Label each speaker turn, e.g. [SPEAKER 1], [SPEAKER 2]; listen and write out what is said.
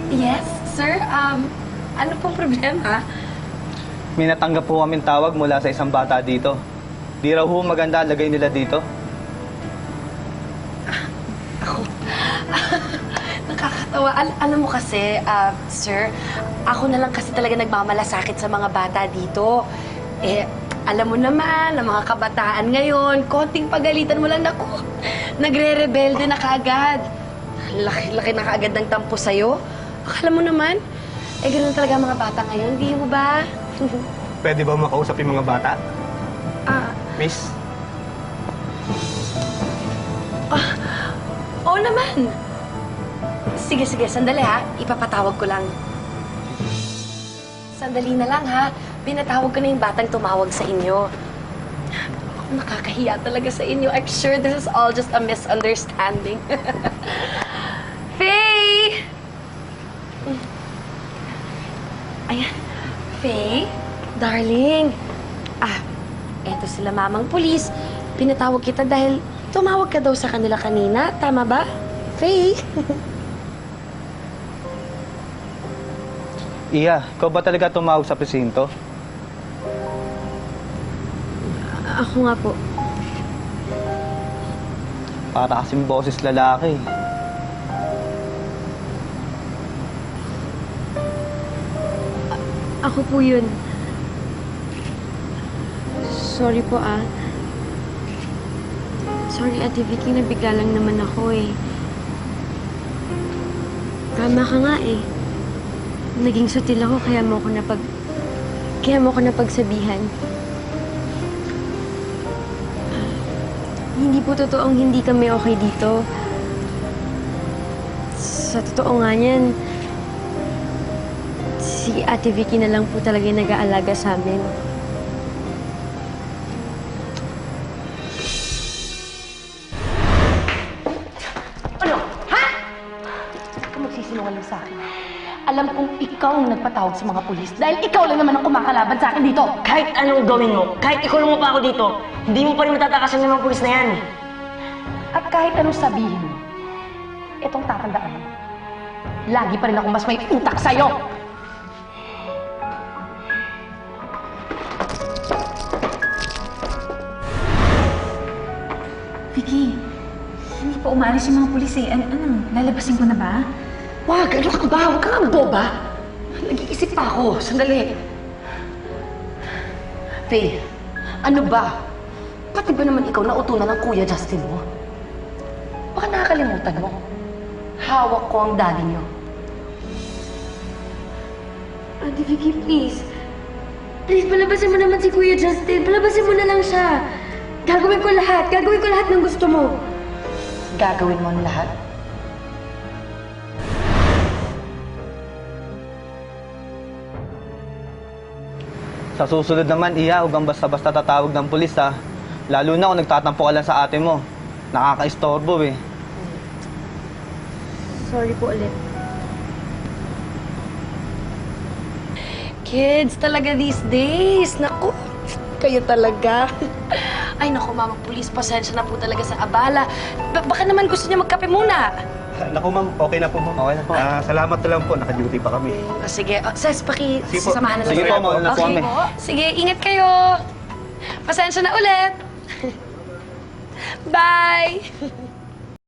[SPEAKER 1] Yes, sir. Ano pong problema?
[SPEAKER 2] May natanggap po kaming tawag mula sa isang bata dito. Di raw ho maganda lagay nila dito.
[SPEAKER 1] Nakakatawa. Alam mo kasi, sir, ako na lang kasi talaga nagmamalasakit sa mga bata dito. Alam mo naman, ang mga kabataan ngayon, konting pagalitan mo lang, naku, nagre-rebelde na kaagad. Laki-laki na kaagad ng tampo sa'yo. Akala mo naman, ganun talaga ang mga bata ngayon, di mo ba?
[SPEAKER 3] Pwede ba makausap yung mga bata? Miss?
[SPEAKER 1] Oo naman. Sige, sandali ha. Ipapatawag ko lang. Sandali na lang ha. Pinatawag ko na yung batang tumawag sa inyo. Ako, nakakahiya talaga sa inyo. I'm sure this is all just a misunderstanding. Faye! Ayan. Faye? Darling. Eto sila mamang pulis. Pinatawag kita dahil tumawag ka daw sa kanila kanina. Tama ba? Faye?
[SPEAKER 2] Iya, ikaw ba talaga tumawag sa presinto?
[SPEAKER 4] Ako nga po.
[SPEAKER 2] Para kasing boses lalaki.
[SPEAKER 4] Ako po yun. Sorry po Sorry, Ate Vicky, nabigla lang naman ako eh. Tama ka nga eh. Naging sutil ako kaya mo ko napagsabihan. Hindi po totoong hindi kami okay dito. Sa totoo nga niyan, si Ate Vicky na lang po talaga yung nag-aalaga sa amin.
[SPEAKER 1] Magsisinungaling sa akin. Alam kong ikaw ang nagpatawag sa mga pulis dahil ikaw lang naman ang kumakalaban sa akin dito.
[SPEAKER 5] Kahit anong gawin mo, kahit ikulong mo pa ako dito, hindi mo pa rin matatakasan ng mga pulis na yan.
[SPEAKER 1] At kahit anong sabihin mo, itong tatandaan mo, lagi pa rin ako mas may utak sa'yo.
[SPEAKER 6] Vicky, hindi pa umalis yung mga pulis eh. Ano? Lalabasin ko na ba?
[SPEAKER 1] Wag! Ano ka ba? Huwag kang boba! Nag-iisip pa ako. Sandali. Faye, ano ba? Pati ba naman ikaw nautunan ng Kuya Justin mo? Baka nakakalimutan mo. Hawak ko ang daddy niyo.
[SPEAKER 4] Ate Vicky, please. Please, palabasin mo naman si Kuya Justin. Palabasin mo na lang siya. Gagawin ko lahat. Gagawin ko lahat ng gusto mo.
[SPEAKER 1] Gagawin mo ang lahat?
[SPEAKER 2] Sa susunod naman, Iya, huwag kang basta-basta tatawag ng pulis, ha? Lalo na kung nagtatampo ka lang sa ate mo. Nakaka-istorbo, eh.
[SPEAKER 4] Sorry po ulit.
[SPEAKER 1] Kids talaga these days. Naku, kayo talaga. Ay, naku, mamang pulis, pasensya na po talaga sa abala. Baka naman gusto niya magkape muna.
[SPEAKER 3] Naku ma'am, okay na po ma'am.
[SPEAKER 2] Okay na po.
[SPEAKER 3] Salamat na lang po, naka-duty pa kami.
[SPEAKER 1] Sige, Ses,
[SPEAKER 3] Sige po.
[SPEAKER 1] sasamahan na lang.
[SPEAKER 2] Sige po, mauna na po kami.
[SPEAKER 1] Sige, ingat kayo. Pasensya na ulit. Bye!